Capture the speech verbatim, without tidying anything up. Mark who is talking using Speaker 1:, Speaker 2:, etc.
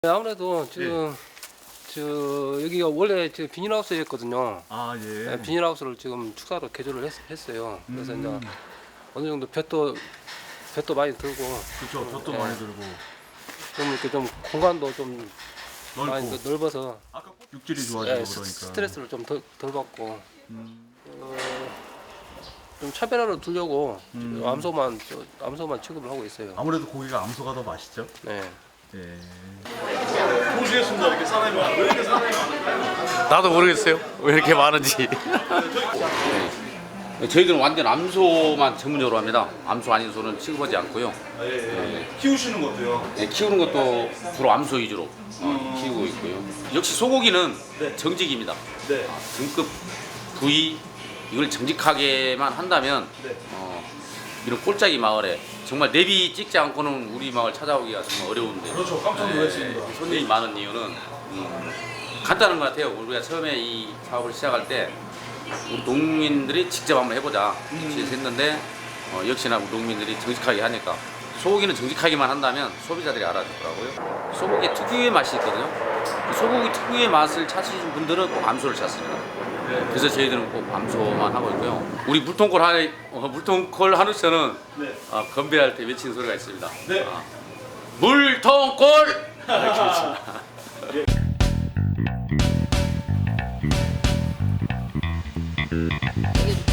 Speaker 1: 네, 아무래도 지금 저 여기가 원래 지금 비닐하우스였거든요.
Speaker 2: 아 예.
Speaker 1: 네, 비닐하우스를 지금 축사로 개조를 했, 했어요. 그래서
Speaker 2: 음.
Speaker 1: 이제 어느 정도 볕도 볕도 많이 들고
Speaker 2: 그렇죠. 볕도
Speaker 1: 예.
Speaker 2: 많이 들고
Speaker 1: 좀 이렇게 좀 공간도 좀
Speaker 2: 넓고.
Speaker 1: 많이 넓- 넓어서
Speaker 2: 아까 육질이 좋아지고
Speaker 1: 예,
Speaker 2: 그러니까.
Speaker 1: 스- 스트레스를 좀 덜 덜 받고
Speaker 2: 음.
Speaker 1: 어, 좀 차별화를 두려고
Speaker 2: 음.
Speaker 1: 암소만 저, 암소만 취급을 하고 있어요.
Speaker 2: 아무래도 고기가 암소가 더 맛있죠.
Speaker 1: 네.
Speaker 2: 예.
Speaker 3: 보시겠습니다. 이렇게 사람이 많아요. 왜 이렇게 사람이 많아요?
Speaker 4: 나도 모르겠어요. 왜 이렇게 많은지.
Speaker 5: 저희들은 완전 암소만 전문적으로 합니다. 암소 아닌 소는 취급하지 않고요.
Speaker 3: 아, 예, 예. 키우시는 것도요.
Speaker 5: 네, 키우는 것도 주로 암소 위주로 어, 키우고 있고요. 역시 소고기는
Speaker 3: 네.
Speaker 5: 정직입니다.
Speaker 3: 네.
Speaker 5: 아, 등급 부위 이걸 정직하게만 한다면
Speaker 3: 네.
Speaker 5: 어, 이런 꼴짝이 마을에 정말 내비 찍지 않고는 우리 마을 찾아오기가 정말 어려운데
Speaker 3: 그렇죠. 깜짝 놀랐습니다.
Speaker 5: 네, 손님이 많은 이유는 음, 간단한 것 같아요. 우리가 처음에 이 사업을 시작할 때 우리 농민들이 직접 한번 해보자 이렇게 했는데 어, 역시나 우리 농민들이 정직하게 하니까 소고기는 정직하게만 한다면 소비자들이 알아주더라고요. 소고기 특유의 맛이 있거든요. 그 소고기 특유의 맛을 찾으신 분들은 꼭 암소를 찾습니다. 그래서 저희들은 꼭 암소만 하고 있고요. 우리 물통콜 하 어, 물통콜 한우처는
Speaker 3: 네.
Speaker 5: 어, 건배할 때 외치는 소리가 있습니다.
Speaker 3: 네.
Speaker 5: 어, 물통콜 이렇게 외칩니다.
Speaker 6: 되게